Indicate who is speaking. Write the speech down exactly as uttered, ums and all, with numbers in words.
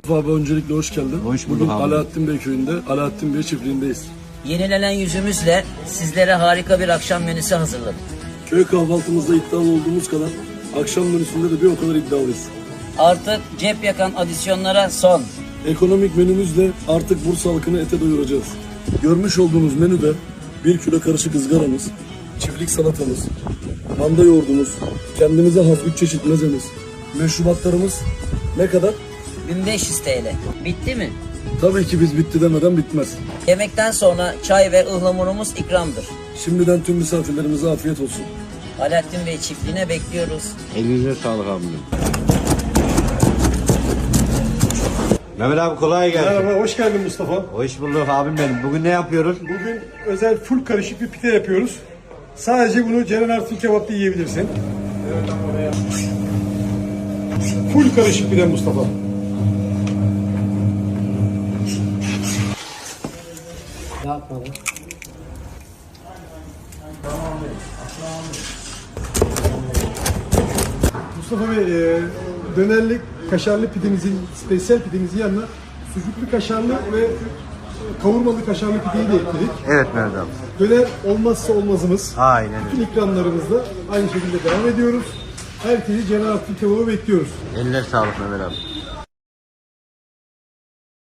Speaker 1: Abi öncelikle hoş geldin.
Speaker 2: Hoş bulduk
Speaker 1: Bugün
Speaker 2: abi.
Speaker 1: Alaaddin Bey köyünde, Alaaddin Bey çiftliğindeyiz.
Speaker 3: Yenilenen yüzümüzle sizlere harika bir akşam menüsü hazırladık.
Speaker 1: Köy kahvaltımızda iddialı olduğumuz kadar akşam menüsünde de bir o kadar iddialıyız.
Speaker 3: Artık cep yakan adisyonlara son.
Speaker 1: Ekonomik menümüzle artık Bursa halkını ete doyuracağız. Görmüş olduğunuz menüde bir kilo karışık ızgaramız, çiftlik salatamız, manda yoğurdumuz, kendimize has üç çeşit mezemiz, meşrubatlarımız ne kadar?
Speaker 3: bin beş yüz T L. Bitti mi?
Speaker 1: Tabii ki biz bitti demeden bitmez.
Speaker 3: Yemekten sonra çay ve ıhlamurumuz ikramdır.
Speaker 1: Şimdiden tüm misafirlerimize afiyet olsun.
Speaker 3: Alaaddin Bey çiftliğine bekliyoruz.
Speaker 2: Elinize sağlık abim. Mehmet abi kolay gelsin.
Speaker 4: Merhaba, hoş geldin Mustafa.
Speaker 2: Hoş bulduk abim benim. Bugün ne yapıyoruz?
Speaker 4: Bugün özel full karışık bir pide yapıyoruz. Sadece bunu Ceren Artun Kebap'ta yiyebilirsin. Full karışık pide Mustafa. Mustafa Bey, e, dönerli kaşarlı pidemizin, spesiyel pidemizin yanına sucuklu kaşarlı ve kavurmalı kaşarlı pideyi de ekledik.
Speaker 2: Evet Mehmet abi.
Speaker 4: Döner olmazsa olmazımız.
Speaker 2: Aynen
Speaker 4: Bütün
Speaker 2: öyle.
Speaker 4: ikramlarımızda aynı şekilde devam ediyoruz. Herkesi Ceren Artun Kebap'a bekliyoruz.
Speaker 2: Eline sağlık Mehmet abi.